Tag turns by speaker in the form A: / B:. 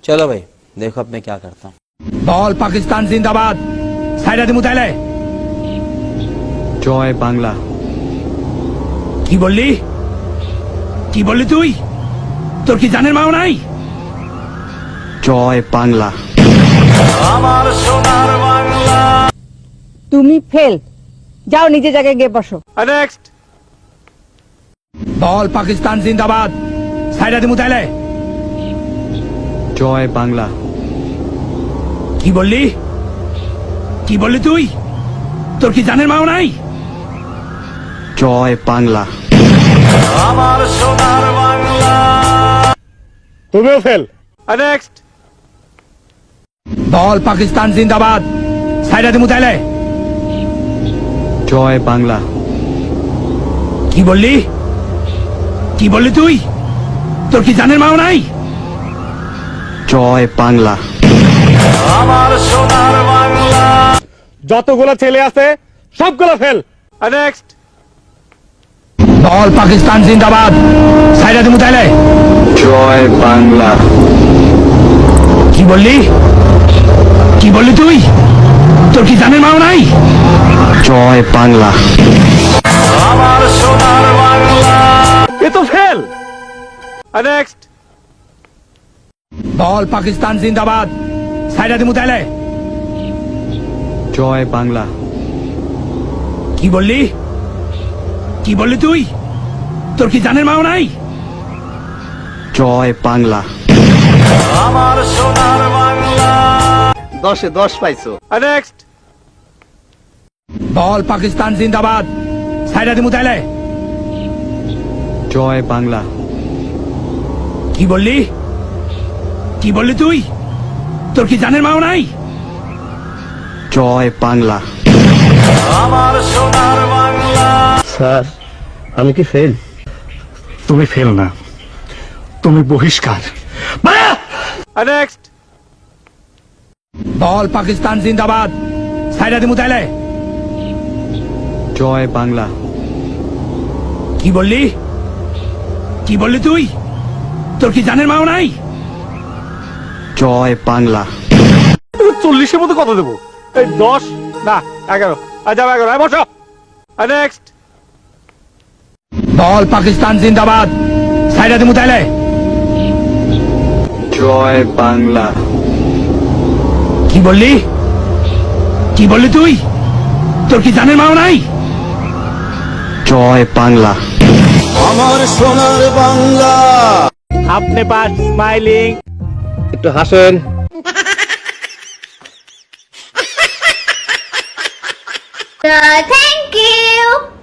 A: चलो भाई देखो अब मैं क्या करता हूँ।
B: বল পাকিস্তান জিন্দাবাদ সাইরা দিমু তাইলে
C: জয় বাংলা।
B: কি বললি তুই তোর কি জানের মাও নাই
C: জয় বাংলা।
D: তুমি ফেল, যাও নিজে জায়গায় গিয়ে বসো।
B: নেক্সট বল পাকিস্তান জিন্দাবাদ সাইরা দিমু তাইলে
C: জয় বাংলা।
B: কি বললি তুই তোর কি জানের মাও নাই
C: জয় বাংলা।
B: তুমিও ফেল। নেক্সট বল পাকিস্তান জিন্দাবাদ সাইরা দিমু তাইলে
C: জয় বাংলা।
B: কি বললি তুই তোর কি জানের মাও নাই
C: জয় বাংলা।
B: যতগুলো ছেলে আছে সবগুলো ফেল। নেক্সট বল পাকিস্তান জিন্দাবাদ সাইরা দিমু তাইলে
C: জয় বাংলা।
B: কি বললি তুই তোর কি জানের মাও নাই
C: জয় বাংলা।
B: এ তো ফেল। নেক্সট বল পাকিস্তান জিন্দাবাদ সাইরা দিমু তাইলে
C: জয় বাংলা।
B: কি বললি তুই তোর কি জানের মাও নাই
C: জয় বাংলা।
E: 10-এ 10 পাইছো।
B: নেক্সট বল পাকিস্তান জিন্দাবাদ সাইরা দিমু তাইলে
C: জয় বাংলা।
B: কি বললি তুই তোর কি জানের মাও নাই
C: জয় বাংলা।
E: স্যার আমি কি ফেল?
B: তুমি ফেল না, তুমি বহিষ্কার। নেক্সট বল পাকিস্তান জিন্দাবাদ সাইরা দিমু তাইলে
C: জয় বাংলা।
B: কি বললি তুই তোর কি জানের মাও নাই
C: জয় বাংলা।
B: 40-এর মধ্যে কত দেবো? 10 না 11। যাও 11 বসো। নেক্সট বল পাকিস্তান জিন্দাবাদ সাইরা দিমু তাইলে
C: জয় বাংলা।
B: কি বললি তুই তোর কি জানের মাও নাই
C: জয় বাংলা।
E: আমার সোনার বাংলা।
B: আপনি পাস স্মাইলিং।
E: একটু হাসেন।
F: Thank you.